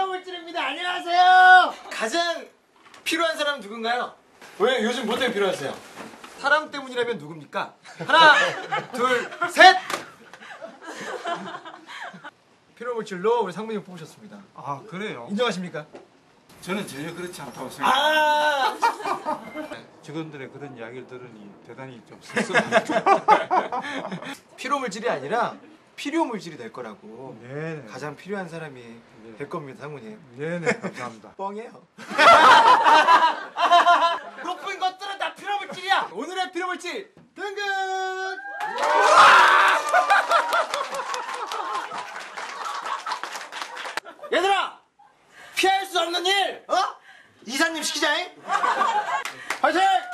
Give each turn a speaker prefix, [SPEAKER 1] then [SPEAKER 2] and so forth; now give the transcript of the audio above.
[SPEAKER 1] 필요물질입니다. 안녕하세요. 가장 필요한 사람은 누군가요? 왜 요즘 뭐 때문에 필요하세요? 사람 때문이라면 누굽니까? 하나, 둘, 셋. 필요물질로 우리 상무님 뽑으셨습니다.
[SPEAKER 2] 아 그래요?
[SPEAKER 1] 인정하십니까?
[SPEAKER 2] 저는 전혀 그렇지 않다고 생각합니다.
[SPEAKER 1] 아
[SPEAKER 2] 직원들의 그런 이야기를 들으니 대단히 좀 씁쓸합니다.
[SPEAKER 1] 필요물질이 아니라 필요물질이 될 거라고.
[SPEAKER 2] 네네.
[SPEAKER 1] 가장 필요한 사람이 될 겁니다, 상무님.
[SPEAKER 2] 네네 감사합니다.
[SPEAKER 1] 뻥이에요. 높은 것들은 다 필요물질이야. 오늘의 필요물질 등급. 얘들아, 피할 수 없는 일, 이사님 시키자잉. 화이팅!